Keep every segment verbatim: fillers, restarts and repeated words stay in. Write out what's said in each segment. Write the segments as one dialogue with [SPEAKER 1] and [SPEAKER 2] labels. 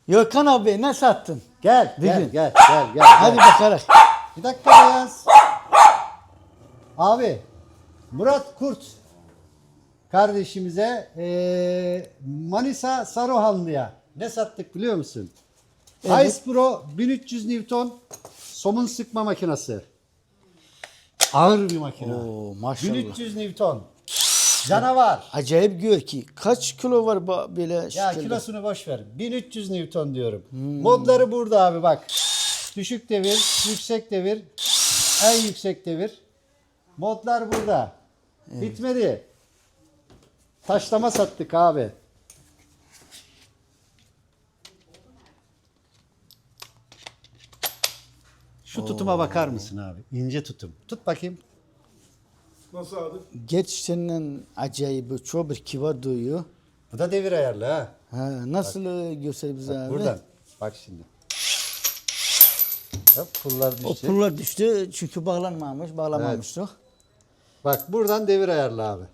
[SPEAKER 1] Gökhan abi ne sattın?
[SPEAKER 2] Gel,
[SPEAKER 1] Bir
[SPEAKER 2] gel,
[SPEAKER 1] gün.
[SPEAKER 2] gel, gel, gel.
[SPEAKER 1] Hadi
[SPEAKER 2] gel.
[SPEAKER 1] bakalım.
[SPEAKER 2] Bir dakika Beyaz. Abi, Murat Kurt kardeşimize eee, Manisa Saruhanlı'ya ne sattık biliyor musun?
[SPEAKER 1] Evet.
[SPEAKER 2] Ice Pro bin üç yüz Newton somun sıkma makinesi. Ağır bir makine.
[SPEAKER 1] Oo, maşallah.
[SPEAKER 2] bin üç yüz Newton. Canavar.
[SPEAKER 1] Acayip gör ki. Kaç kilo var bu- böyle
[SPEAKER 2] Ya
[SPEAKER 1] şekilde?
[SPEAKER 2] kilosunu boş ver. bin üç yüz Newton diyorum. Modları burada abi bak. Düşük devir, yüksek devir, en yüksek devir. Modlar burada. Bitmedi. Taşlama sattık abi. Şu tutuma bakar mısın abi? İnce tutum. Tut bakayım.
[SPEAKER 3] Nasıl abi?
[SPEAKER 1] Gerçekten acayip. Çok bir kibar duyuyor.
[SPEAKER 2] Bu da devir ayarlı ha.
[SPEAKER 1] Ha, nasıl e, göster bize abi?
[SPEAKER 2] Buradan. Bak şimdi. Hop, pullar
[SPEAKER 1] O
[SPEAKER 2] düştü.
[SPEAKER 1] pullar düştü çünkü bağlanmamış, bağlamamıştık.
[SPEAKER 2] Bak buradan devir ayarlı abi.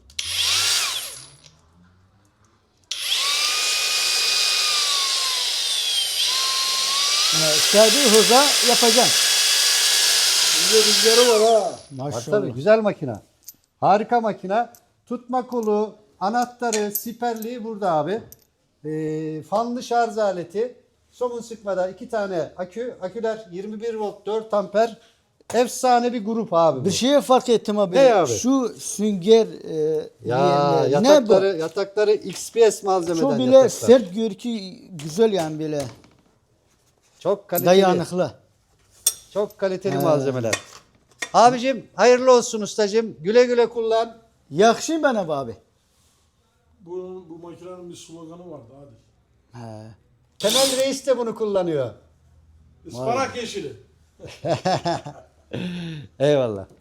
[SPEAKER 1] Evet, istediği hıza yapacaksın.
[SPEAKER 3] Bizde rüzgarı var ha.
[SPEAKER 2] Bak
[SPEAKER 1] Maşallah.
[SPEAKER 2] tabii güzel makina. Harika makina. Tutma kolu, anahtarı, siperliği burada abi. Ee, fanlı şarj aleti. Somun sıkmada iki tane akü. Aküler yirmi bir volt dört amper. Efsane bir grup abi bu.
[SPEAKER 1] Bir şeye fark ettim abi.
[SPEAKER 2] Ne abi?
[SPEAKER 1] Şu sünger e,
[SPEAKER 2] Ya
[SPEAKER 1] diyenler, ne bu?
[SPEAKER 2] yatakları, yatakları X P S malzemeden
[SPEAKER 1] Çok bile
[SPEAKER 2] yataklar.
[SPEAKER 1] sert gör ki güzel yani böyle
[SPEAKER 2] Çok kaliteli.
[SPEAKER 1] dayanıklı.
[SPEAKER 2] Çok kaliteli malzemeler. Abicim hayırlı olsun ustacım. Güle güle kullan.
[SPEAKER 1] Yakşı bana abi.
[SPEAKER 3] Bu, bu makinenin bir sloganı vardı hadi.
[SPEAKER 1] He.
[SPEAKER 2] Temel Reis de bunu kullanıyor.
[SPEAKER 3] Ispanak yeşili.
[SPEAKER 2] Eyvallah.